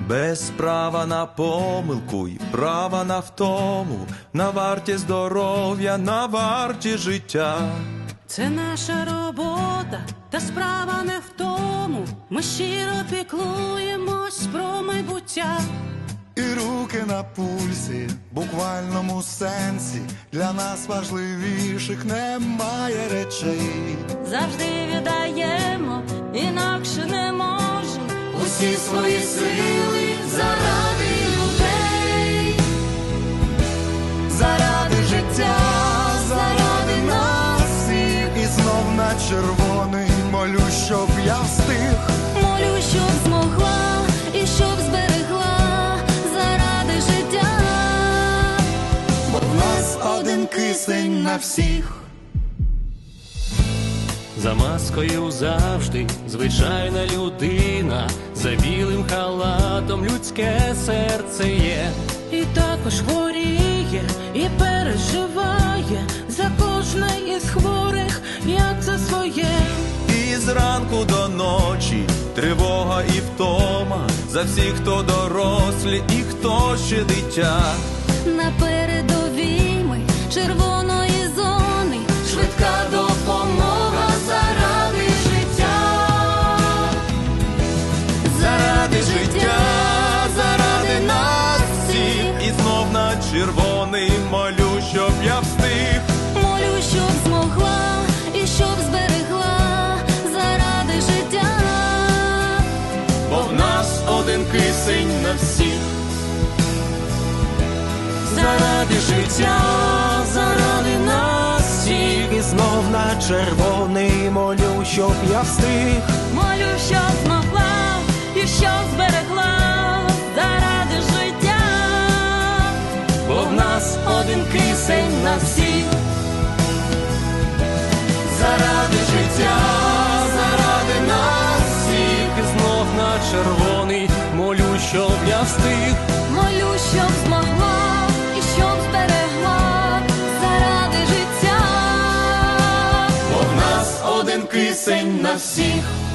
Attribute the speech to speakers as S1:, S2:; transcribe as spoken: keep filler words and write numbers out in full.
S1: Без права на помилку й права на втому, на варті здоров'я, на варті життя.
S2: Це наша робота, та справа не в тому. Ми щиро піклуємось про майбуття.
S3: І руки на пульсі, в буквальному сенсі, для нас важливіших немає речей.
S2: Завжди віддаємо, інакше не можемо, усі свої сили заради людей.
S3: Заради життя, заради нас всіх. І знов на червоний молю, щоб я встиг.
S2: Молю, щоб змогла і щоб зберегла заради життя.
S3: Бо в нас один кисень на всіх.
S4: За маскою завжди звичайна людина, за білим халатом людське серце є.
S2: І також хворіє, і переживає за кожне із хворих, як за своє.
S1: І зранку до ночі тривога і втома, за всіх, хто дорослі і хто ще дитя.
S2: На передовій ми червоної зони, швидка допомога заради життя.
S1: Заради життя, заради нас всіх. І знов на червоний молю, щоб я встиг.
S2: Молю, щоб змогла і щоб зберегла заради життя.
S1: Бо в нас один кисень на всіх.
S4: Заради життя, заради нас всіх. І знов на червоний молю, щоб я встиг.
S2: Молю, щоб змогла і щоб зберегла заради життя.
S4: Бо в нас один кисень на всіх.
S1: Заради життя, заради нас всіх.
S4: І знов на червоний молю, щоб я встиг.
S2: Молю, щоб змогла і щоб зберегла заради життя.
S1: Бо в нас один кисень на всіх.